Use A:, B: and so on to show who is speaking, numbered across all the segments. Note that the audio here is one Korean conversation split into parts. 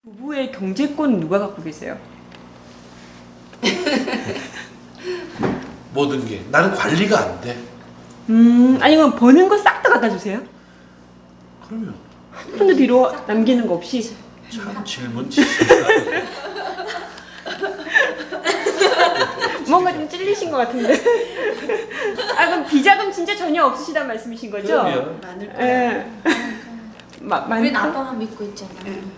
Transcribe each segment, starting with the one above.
A: 부부의 경제권 누가 갖고 계세요?
B: 모든 게 나는 관리가 안 돼.
A: 아니면 버는 거 싹 다 갖다 주세요?
B: 그러면
A: 한 푼도 뒤로 남기는 거 없이?
B: 참 질문 치시.
A: 뭔가 좀 찔리신 것 같은데. 아 그럼 비자금 진짜 전혀 없으시단 말씀이신 거죠?
B: 그럼요.
C: 많을
A: 예.
C: 거야.
D: 우린 아빠만 믿고 있잖아.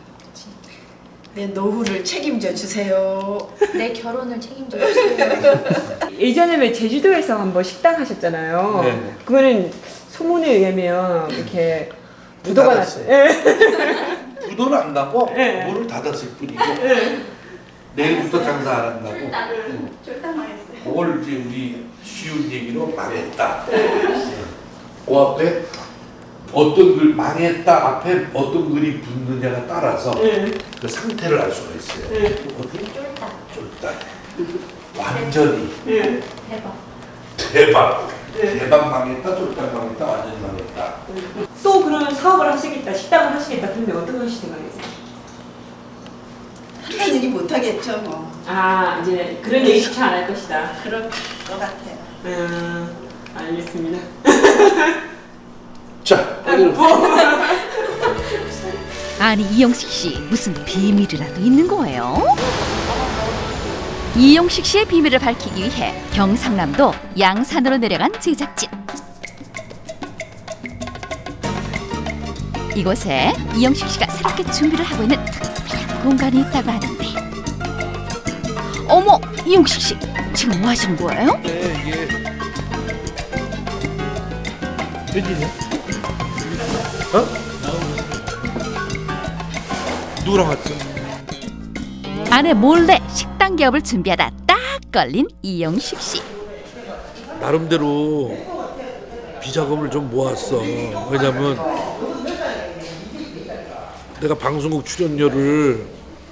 C: 내 노후를 책임져 주세요.
D: 내 결혼을 책임져 주세요.
A: 예전에 왜 제주도에서 한번 식당 하셨잖아요.
B: 네.
A: 그거는 소문에 의하면 이렇게 부도가
B: 닫았어요.
A: 났어요. 예.
B: 부도는 안 나고
A: 네.
B: 문을 닫았을 뿐이고 내일부터 장사 안 한다고.
C: 쫄딱 망했어요.
B: 그걸 이제 우리 쉬운 얘기로 망했다. 그 앞에 어떤 글 망했다 앞에 어떤 글이 붙느냐가 따라서 그 상태를 알 수가 있어요. 어떻게 쫄딱 완전히
D: 대박.
B: 대박 망했다 쫄딱 망했다 완전히 망했다.
A: 또 그러면 사업을 하시겠다, 식당을 하시겠다. 근데 어떤 걸 하실 생각이세요?
C: 하는 얘기 못 하겠죠 뭐.
A: 아 이제 그런 얘기 추천 안 할 것이다.
C: 그럴 것 같아요.
A: 알겠습니다.
B: 자,
E: 아니 이영식 씨 무슨 비밀이라도 있는 거예요? 이영식 씨의 비밀을 밝히기 위해 경상남도 양산으로 내려간 제작진. 이곳에 이영식 씨가 새롭게 준비를 하고 있는 특별한 공간이 있다고 하는데. 어머, 이영식 씨 지금 뭐 하시는 거예요?
B: 이게 웬일이야? 어? 누구랑 왔어?
E: 아내 몰래 식당 개업을 준비하다 딱 걸린 이영식 씨.
B: 나름대로 비자금을 좀 모았어. 왜냐면 내가 방송국 출연료를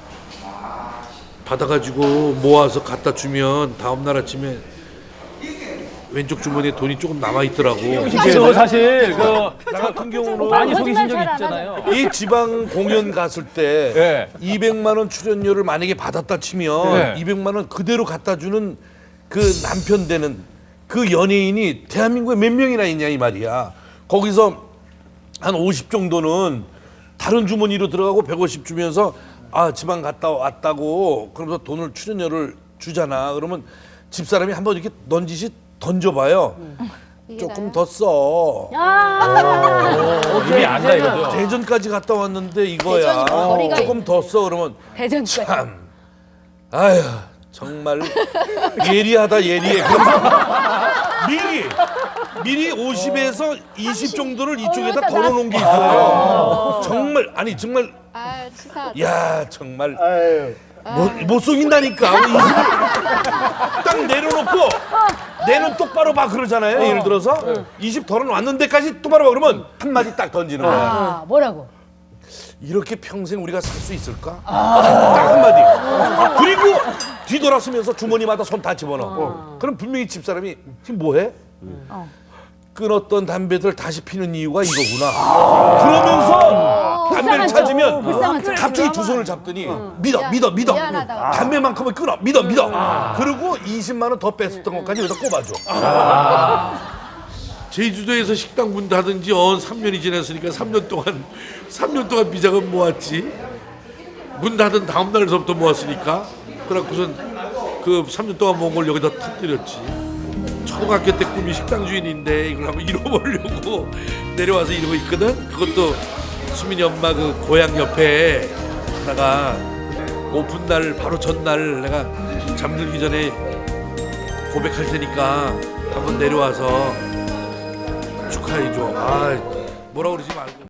B: 받아가지고 모아서 갖다 주면 다음날 아침에 왼쪽 주머니에 돈이 조금 남아있더라고.
F: 저 사실 나
B: 같은 경우는
F: 많이 속이신 적이 있잖아요.
B: 이 지방 공연 갔을 때 200만 원 출연료를 만약에 받았다 치면 200만 원 그대로 갖다 주는 그 남편 되는 그 연예인이 대한민국에 몇 명이나 있냐 이 말이야. 거기서 한 50 정도는 다른 주머니로 들어가고 150 주면서 아 지방 갔다 왔다고 그러면서 돈을 출연료를 주잖아. 그러면 집사람이 한번 이렇게 넌지시 던져봐요. 조금 더 써.
F: 이미 안다 이거죠.
B: 대전까지 갔다 왔는데 이거야. 조금 더 써. 그러면
D: 대전까지.
B: 참. 아휴 정말 예리하다 예리해. 미리 50에서 20 정도를 이쪽에다 덜어놓은 게 있어요. 정말 아니 정말. 야 정말 못 속인다니까. 딱 내려놓고 내 눈 똑바로 봐 그러잖아요. 예를 들어서 20 덜어놨는 데까지 똑바로 봐 그러면 한마디 딱 던지는 거야.
D: 뭐라고?
B: 이렇게 평생 우리가 살 수 있을까? 딱 한마디. 그리고 뒤돌아서면서 주머니마다 손 다 집어넣어. 그럼 분명히 집사람이 지금 뭐해? 끊었던 담배들 다시 피는 이유가 이거구나. 그러면서 담배를 찾으면 갑자기 두 손을 잡더니 믿어. 담배만큼은 끊어. 믿어. 그리고 20만 원 더 뺐었던 것까지 여기다 꼽아줘. 제주도에서 식당 문 닫은 지 3년이 지났으니까 3년 동안 비자금 모았지. 문 닫은 다음 날서부터 모았으니까. 그래갖고선 그 3년 동안 모은 걸 여기다 터뜨렸지. 초등학교 때 꿈이 식당 주인인데 이걸 한번 잃어보려고 내려와서 이러고 있거든. 그것도 수민이 엄마 그 고향 옆에 하다가 오픈 날 바로 전날 내가 잠들기 전에 고백할 테니까 한번 내려와서 축하해줘. 아 뭐라 그러지 말고.